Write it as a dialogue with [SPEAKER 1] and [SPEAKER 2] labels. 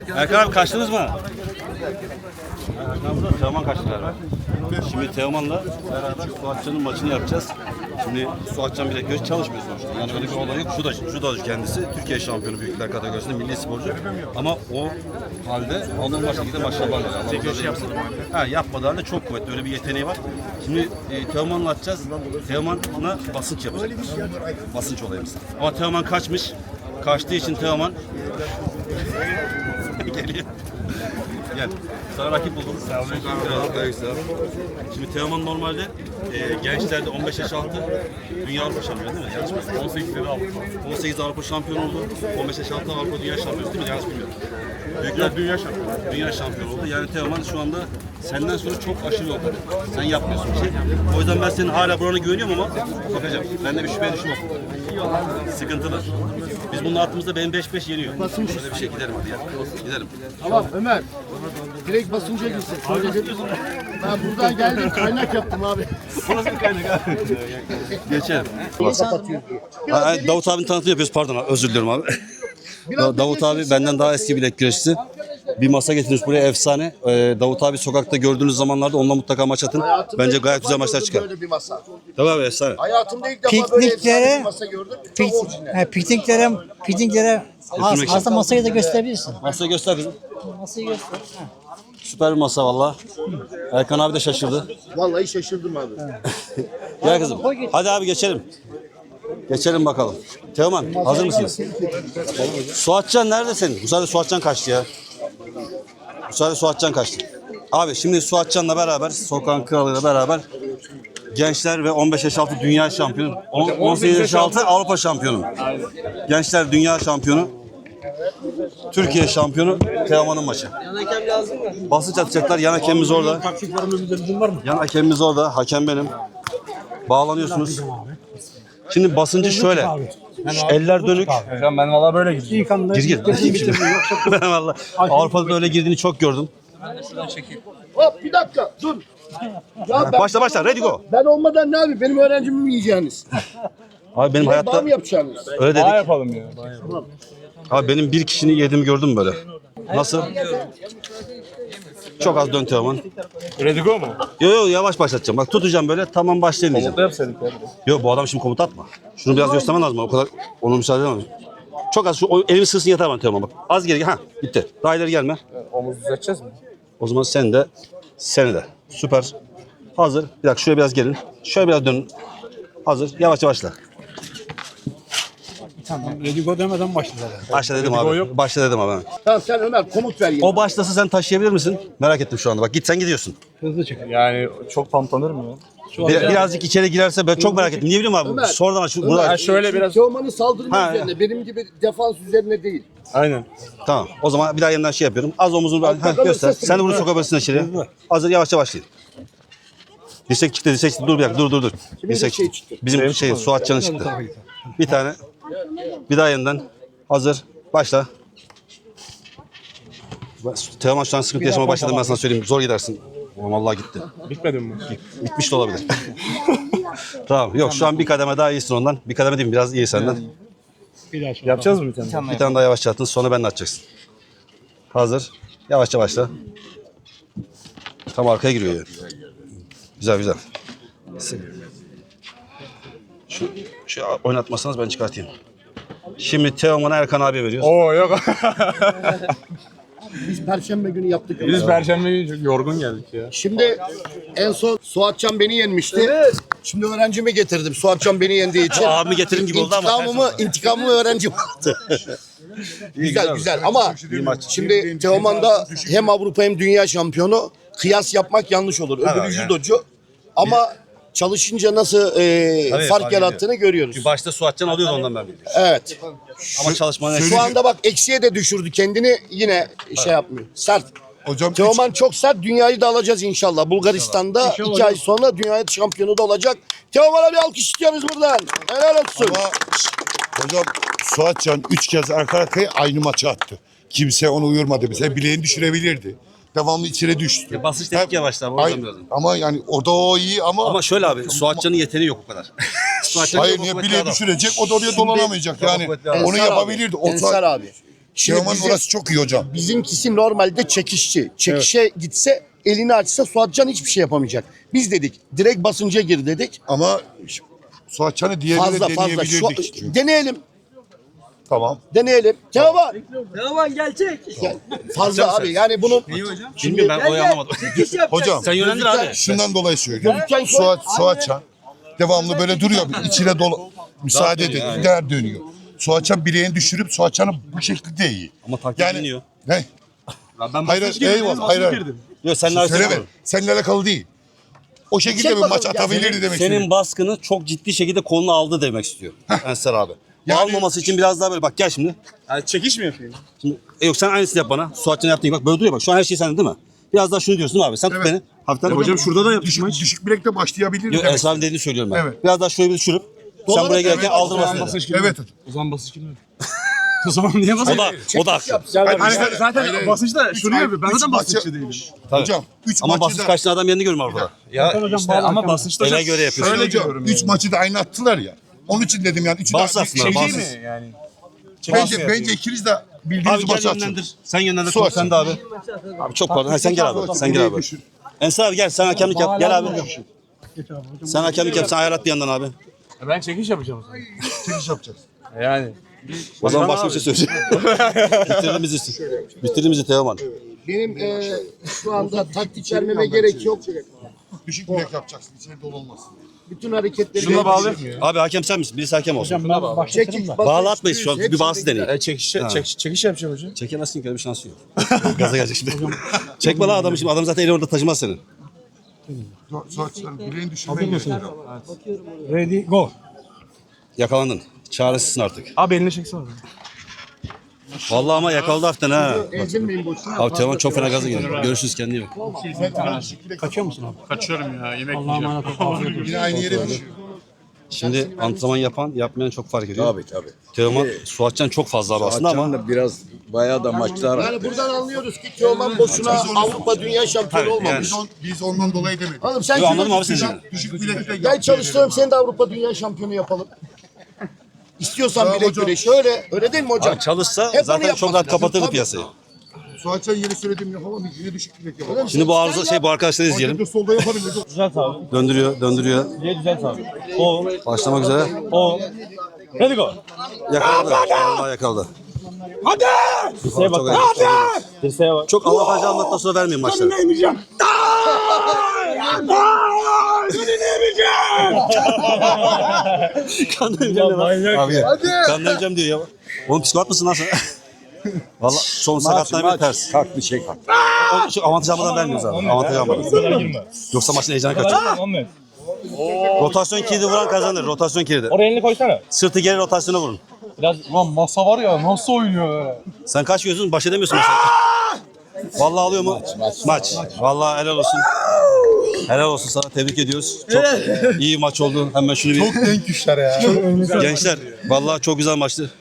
[SPEAKER 1] Erkan abi kaçtınız mı? Teoman kaçtı galiba. Şimdi Teoman'la beraber Suatcan'ın maçını yapacağız. Şimdi Suatcan Bilekgöz çalışmıyor sonuçta. Yani öyle bir olay yok. Şu da kendisi Türkiye şampiyonu büyükler kategorisinde milli sporcu. Ama o halde normal şekilde maçlar yapmadığı halde çok kuvvetli. Öyle bir yeteneği var. Şimdi Teoman'la atacağız. Teoman'la basınç yapacağız. Basınç olayımız. Ama Teoman kaçmış. Kaçtığı için Teoman geliyor. Gel. Sana rakip buldum. Şimdi Teoman normalde gençlerde 15 yaş altı Dünya Avrupa şampiyonu değil mi? Yanlış mı? 18 Avrupa şampiyonu oldu. 15 yaş altı Avrupa Dünya şampiyonu değil mi? Yanlış bilmiyorum. Büyükler Dünya şampiyonu. Dünya şampiyonu oldu. Yani Teoman şu anda senden sonra çok aşırı yolda. Sen yapmıyorsun bir şey. O yüzden ben senin hala burana güveniyorum ama bakacağım. Ben de bir şüpheye düşmem. Sıkıntılı. Biz bunun attığımızda benim 5-5 yeniyor. Şöyle bir şey gidelim hadi ya. Gidelim.
[SPEAKER 2] Tamam Ömer. Direkt basınca gitsin. Ben buradan geldim kaynak yaptım abi.
[SPEAKER 1] Bu nasıl bir kaynak abi? Geçelim. Davut abinin tanıtımı yapıyoruz. Pardon abi, özür diliyorum abi. Davut abi benden daha eski bilek güreşçisi. Bir masa getirmiş buraya efsane. Davut abi sokakta gördüğünüz zamanlarda onunla mutlaka maç atın. Bence gayet güzel maçlar çıkar.
[SPEAKER 2] Böyle bir masa.
[SPEAKER 1] Tabii abi efsane.
[SPEAKER 2] Hayatımda ilk defa böyle efsane bir masa gördüm. Çok orijinal.
[SPEAKER 3] Pikniklere aslında masayı da gösterebilirsin.
[SPEAKER 1] Masayı göster kızım.
[SPEAKER 3] Masayı göster.
[SPEAKER 1] Süper bir masa valla. Erkan abi de şaşırdı.
[SPEAKER 2] Vallahi şaşırdım abi.
[SPEAKER 1] Gel kızım. Hadi abi geçelim. Geçelim bakalım. Teoman hazır mısınız? Suatcan nerede senin? Bu sefer Suatcan kaçtı ya. Bu sefer Suatcan kaçtı. Abi şimdi Suatcan'la beraber, Sokağın Kralı'yla beraber gençler ve 15 yaş altı dünya şampiyonu, 18 yaş altı Avrupa şampiyonu. Gençler dünya şampiyonu, Türkiye şampiyonu Teoman'ın maçı. Yan hakem lazım mı? Basınç atacaklar. Yan hakemimiz orada. Yan hakemimiz orada. Hakem benim. Bağlanıyorsunuz. Şimdi basıncı şöyle. Eller dönük.
[SPEAKER 4] Hocam ben valla böyle gidiyorum.
[SPEAKER 1] Gir. Ben valla Avrupa'da böyle girdiğini çok gördüm.
[SPEAKER 2] Hop bir dakika dur. Ya
[SPEAKER 1] Başla. Ready go.
[SPEAKER 2] Ben olmadan ne abi? Benim öğrencimi mi yiyeceğiniz?
[SPEAKER 1] Abi benim
[SPEAKER 2] Bağ
[SPEAKER 1] hayatta
[SPEAKER 2] mı yapacaksınız?
[SPEAKER 1] öyle
[SPEAKER 4] Daha
[SPEAKER 1] dedik.
[SPEAKER 4] yapalım ya.
[SPEAKER 1] Abi benim bir kişinin yediğimi gördüm böyle. Nasıl? Çok az dön Teoman.
[SPEAKER 4] Ready go mu?
[SPEAKER 1] Yo yavaş başlatacağım. Bak tutacağım böyle tamam başlayın diyeceğim.
[SPEAKER 4] Komutla yapsaydık ya.
[SPEAKER 1] Yo bu adam şimdi komuta atma. Şunu biraz göstermen lazım. O kadar onu müsaade edemem. Çok az elimi sığsın yeter bana Teoman bak. Az geri ha gitti. Daha ileri gelme.
[SPEAKER 4] Omuz düzelteceğiz mi?
[SPEAKER 1] O zaman sen de seni de. Süper. Hazır. Bir dakika şöyle biraz gelin. Şöyle biraz dönün. Hazır. Yavaş yavaşla.
[SPEAKER 3] Tamam. Ready go demeden başladı.
[SPEAKER 1] Başla dedim abi. Başla dedim abi.
[SPEAKER 2] Tamam sen Ömer komut ver yine.
[SPEAKER 1] O başlasa sen taşıyabilir misin? Merak ettim şu anda. Bak git sen gidiyorsun.
[SPEAKER 3] Hızlı çık.
[SPEAKER 4] Yani çok pamplanır mı ya?
[SPEAKER 1] Birazcık içeri girerse ben çok merak ettim. Niye bileyim abi?
[SPEAKER 2] Ömer.
[SPEAKER 1] Sonradan
[SPEAKER 4] Ha, şöyle biraz.
[SPEAKER 2] Teoman'ın saldırma
[SPEAKER 1] Ha,
[SPEAKER 2] üzerine. Benim gibi defans üzerine değil.
[SPEAKER 4] Aynen.
[SPEAKER 1] Tamam. O zaman bir daha yeniden şey yapıyorum. Az omuzunu göster. Sen de bunu sokabilirsin içeri. Hazır yavaşça başlayın. Dirsek çıktı. Dur bir dakika. Dur. Dirsek
[SPEAKER 2] şey çıktı?
[SPEAKER 1] Bizim Suatcan'ın çıktı. Bir tane. Bir daha yeniden. Hazır. Başla. Teoman şu an sıkıntı yaşamaya başladım ben sana söyleyeyim. Zor gidersin. Vallahi gitti.
[SPEAKER 4] Bitmedi mi?
[SPEAKER 1] Bitmiş de olabilir. Tamam. Yok şu an bir kademe daha iyisin ondan. Bir kademe değil mi? Biraz iyi senden.
[SPEAKER 3] Bir daha
[SPEAKER 4] Yapacağız mı bir tane?
[SPEAKER 1] Bir tane daha yavaşça attın. Sonra ben de atacaksın. Hazır. Yavaşça başla. Tam arkaya giriyor yani. Güzel. Şu oynatmasanız ben çıkartayım. Şimdi Teoman'a Erkan abiye veriyoruz.
[SPEAKER 4] Oo yok.
[SPEAKER 2] Biz Perşembe günü yaptık.
[SPEAKER 4] Biz Perşembe günü çok yorgun geldik ya.
[SPEAKER 2] Şimdi en son Suatcan beni yenmişti. Şimdi öğrencimi getirdim. Suatcan beni yendiği için.
[SPEAKER 1] Abimi getirin gibi oldu ama.
[SPEAKER 2] İntikamımı öğrencim aldı. güzel ama şimdi Teoman da hem Avrupa hem dünya şampiyonu. Kıyas yapmak yanlış olur. Öbürü judocu. Ama çalışınca nasıl fark yarattığını görüyoruz.
[SPEAKER 1] Başta Suatcan alıyordu ondan ben biliyorum.
[SPEAKER 2] Evet.
[SPEAKER 1] Ama çalışmanın
[SPEAKER 2] Şu anda bak eksiye de düşürdü kendini yine şey yapmıyor. Sert.
[SPEAKER 5] Hocam
[SPEAKER 2] Teoman çok sert. Dünyayı da alacağız inşallah. Bulgaristan'da 2 ay sonra dünya şampiyonu da olacak. Teoman'a bir alkış istiyoruz buradan. Helal olsun.
[SPEAKER 5] ama hocam Suatcan 3 kez arka arkaya aynı maçı attı. Kimse onu uyurmadı bize. Bileğini düşürebilirdi. Devamlı içine düştü.
[SPEAKER 1] Basınç dedik ya başta.
[SPEAKER 5] Ama yani orada o iyi
[SPEAKER 1] Ama şöyle abi Suatcan'ın yeteneği yok o kadar.
[SPEAKER 5] hayır niye bileği düşürecek o da oraya dolanamayacak yani. Onu yapabilirdi. O
[SPEAKER 2] Ensar abi.
[SPEAKER 5] Teoman'ın
[SPEAKER 2] bizim-
[SPEAKER 5] orası çok iyi hocam.
[SPEAKER 2] Bizimkisi normalde çekişçi. Çekişe gitse, elini açsa Suatcan hiçbir şey yapamayacak. Biz dedik direkt basınca gir dedik.
[SPEAKER 5] Ama Suatcan'ı diğerine
[SPEAKER 2] Fazla fazla.
[SPEAKER 5] deneyebilirdik.
[SPEAKER 2] Deneyelim.
[SPEAKER 5] Tamam.
[SPEAKER 2] Deneyelim. Teoman.
[SPEAKER 6] Teoman gelecek.
[SPEAKER 2] Fazla abi. Yani bunu
[SPEAKER 1] Bilmiyorum ben olayı anlamadım.
[SPEAKER 6] Çekiş yapacak.
[SPEAKER 5] Hocam
[SPEAKER 1] Sen yönlendir abi.
[SPEAKER 5] şundan dolayı söylüyorum.
[SPEAKER 2] Gözüken koy.
[SPEAKER 5] Suatcan devamlı böyle duruyor. İçine müsaade edin. Gider dönüyor. Suatcan bileğini düşürüp Suatcan'ı bu şekilde iyi.
[SPEAKER 1] Ama taktik
[SPEAKER 5] Yani
[SPEAKER 1] biliniyor.
[SPEAKER 5] ne? Hayır, eyvallah. Hayır.
[SPEAKER 1] Yok seninle
[SPEAKER 5] Söyleme.
[SPEAKER 1] alakalı.
[SPEAKER 5] Seninle alakalı değil. O şekilde
[SPEAKER 2] Çek
[SPEAKER 5] bir maç
[SPEAKER 2] bakalım ya.
[SPEAKER 5] atabilirdi demek
[SPEAKER 1] Senin
[SPEAKER 5] istiyorum.
[SPEAKER 1] baskını çok ciddi şekilde koluna aldı demek istiyor Ensar abi.
[SPEAKER 5] Yani-
[SPEAKER 1] Almaması için biraz daha böyle bak gel şimdi.
[SPEAKER 4] Yani çekiş mi yapayım?
[SPEAKER 1] Şimdi yok sen aynısını yap bana. Suatcan yaptığın gibi bak böyle duruyor bak. Şu an her şey sende değil mi? Biraz daha şunu diyorsun değil mi abi? Sen tut
[SPEAKER 5] Evet.
[SPEAKER 1] beni. Hafiften.
[SPEAKER 4] Hocam şurada da yapışma hiç.
[SPEAKER 5] Düşük bilekte başlayabilirdi
[SPEAKER 1] Yok
[SPEAKER 5] demek.
[SPEAKER 1] Ensar abi dediğini söylüyorum ben.
[SPEAKER 5] Evet.
[SPEAKER 1] Biraz daha şöyle bir düşürüp sen
[SPEAKER 2] Dolara
[SPEAKER 1] buraya gelirken
[SPEAKER 5] evet,
[SPEAKER 1] aldırmasın dedi.
[SPEAKER 4] Basınç gibi.
[SPEAKER 5] Evet hocam.
[SPEAKER 4] O zaman basınç gibi. O zaman niye basınç?
[SPEAKER 1] O da haklı.
[SPEAKER 5] Hayır,
[SPEAKER 4] Zaten basınç da şunu yapıyor. Ben
[SPEAKER 5] Üç
[SPEAKER 4] zaten
[SPEAKER 5] maçı-
[SPEAKER 4] basınççı değilim.
[SPEAKER 5] Hocam 3
[SPEAKER 1] Ama
[SPEAKER 5] maçı
[SPEAKER 1] basınç
[SPEAKER 5] da
[SPEAKER 1] kaçtığın adam yerini görmüyor orada.
[SPEAKER 4] İşte ama basınçta
[SPEAKER 1] Ele göre yapıyorsun.
[SPEAKER 5] Öyle hocam 3 maçı da aynı attılar ya. Onun için dedim yani 3'ü
[SPEAKER 1] Bas
[SPEAKER 5] de
[SPEAKER 1] aslında,
[SPEAKER 5] şey
[SPEAKER 1] bas.
[SPEAKER 5] değil mi?
[SPEAKER 4] yani?
[SPEAKER 5] Bence ikiniz de bildiğiniz
[SPEAKER 1] Abi gel
[SPEAKER 5] maçı atın.
[SPEAKER 1] yönlendir. Sen yönlendir.
[SPEAKER 5] Suat.
[SPEAKER 1] Sen de abi. Abi çok pardon. Ha, sen gel abi. Sen gel abi. Ensar abi gel sen hakemlik yap. Gel abi. Sen hakemlik yap. Sen ayarlat bir yandan abi.
[SPEAKER 4] Ben çekiş yapacağım o zaman.
[SPEAKER 5] Çekiş yapacağız.
[SPEAKER 4] Yani.
[SPEAKER 1] O zaman başka bir şey söyleyeceğim. Bitirdin bizi Teoman.
[SPEAKER 2] Benim şu anda taktik vermeme gerek yok.
[SPEAKER 5] Düşük bilek yapacaksın. İçeri dolu olmaz.
[SPEAKER 2] Bütün hareketleri...
[SPEAKER 4] Şuna bağlı.
[SPEAKER 1] Abi hakem sen misin? Birisi hakem olsun.
[SPEAKER 3] Ben başlatırım da.
[SPEAKER 1] Bağlatmayız şu an. Bir bağısı deneyin.
[SPEAKER 4] Çekiş yapacağım hocam.
[SPEAKER 1] Çekemezsin ki öyle bir şansı yok. Gaza gelecek şimdi. Çekme lan adamı şimdi. Adam zaten eli orada taşımaz seni.
[SPEAKER 5] Suat sen bileğini düşürmen gerekiyor.
[SPEAKER 3] Ready go.
[SPEAKER 1] Yakalandın. Çaresizsin artık.
[SPEAKER 4] Abi elini çeksene.
[SPEAKER 1] Vallahi ama yakaladı hafiften ha.
[SPEAKER 2] Ezilmeyin boşuna.
[SPEAKER 1] Abi Teoman çok fena gaza geliyor. Görüşürüz kendine iyi bak.
[SPEAKER 3] Kaçıyor musun abi?
[SPEAKER 4] Kaçıyorum ya. Yemek
[SPEAKER 3] Allah'a emanet ol. Afiyet olsun.
[SPEAKER 5] Yine aynı yere düşüyor.
[SPEAKER 1] Şimdi antrenman yapan, yapmayan çok fark ediyor.
[SPEAKER 7] Tabii.
[SPEAKER 1] Teoman, Suatcan çok fazla abi aslında ama
[SPEAKER 7] da biraz bayağı da maçlar
[SPEAKER 2] Yani buradan anlıyoruz ki Teoman boşuna Avrupa Dünya Şampiyonu
[SPEAKER 1] Tabii,
[SPEAKER 2] olmamış.
[SPEAKER 5] Biz ondan dolayı demedik.
[SPEAKER 2] Oğlum sen
[SPEAKER 1] Yo, anladım abi
[SPEAKER 2] şunu
[SPEAKER 1] seni.
[SPEAKER 5] Düşük bilekle
[SPEAKER 2] gel çalıştıralım seni de Avrupa Dünya Şampiyonu yapalım. İstiyorsan
[SPEAKER 5] Tamam
[SPEAKER 2] bilek
[SPEAKER 5] hocam.
[SPEAKER 2] güreşi öyle. Öyle değil mi hocam?
[SPEAKER 1] abi çalışsa
[SPEAKER 2] Hep onu
[SPEAKER 1] zaten çok
[SPEAKER 2] yapmak
[SPEAKER 1] rahat
[SPEAKER 2] lazım.
[SPEAKER 1] kapatırdı
[SPEAKER 2] Tabii.
[SPEAKER 1] piyasayı.
[SPEAKER 5] Suatcan yeni söylediğim yapamayız. Yine düşük bilek yapalım.
[SPEAKER 1] Şimdi bu arıza bu arkadaşları izleyelim.
[SPEAKER 5] Hakemde solda yaparım.
[SPEAKER 1] Döndürüyor. Başlamak üzere.
[SPEAKER 4] Hadi go.
[SPEAKER 1] Yakaladı. Vallahi yakaladı. Hadi!
[SPEAKER 4] Dirseğe bak.
[SPEAKER 1] Çok Allah hacı anlattıktan sonra vermeyin maçları. Kandıracağım abi ya. Kandıracağım diyor ya. Oğlum psikopat mısın lan sen? Valla son sakatlar bir ters.
[SPEAKER 7] kalk bir şey kalk.
[SPEAKER 1] Şu avantaj almadan vermiyoruz abi. Avantaj almadan. Yoksa maçın heyecanı kaçıyor. Rotasyon kilidi vuran kazanır. Rotasyon kilidi.
[SPEAKER 4] Oraya elini koysana.
[SPEAKER 1] Sırtı geri rotasyona vurun.
[SPEAKER 4] Lan masa var ya nasıl oynuyor böyle?
[SPEAKER 1] Sen kaç gözün baş edemiyorsun mesela. Vallahi alıyor mu? Maç. Vallahi helal olsun. Helal olsun sana, tebrik ediyoruz. Çok iyi maç oldu. Hemen şunu bir...
[SPEAKER 5] Çok denk güçler ya.
[SPEAKER 1] Gençler vallahi çok güzel maçtı.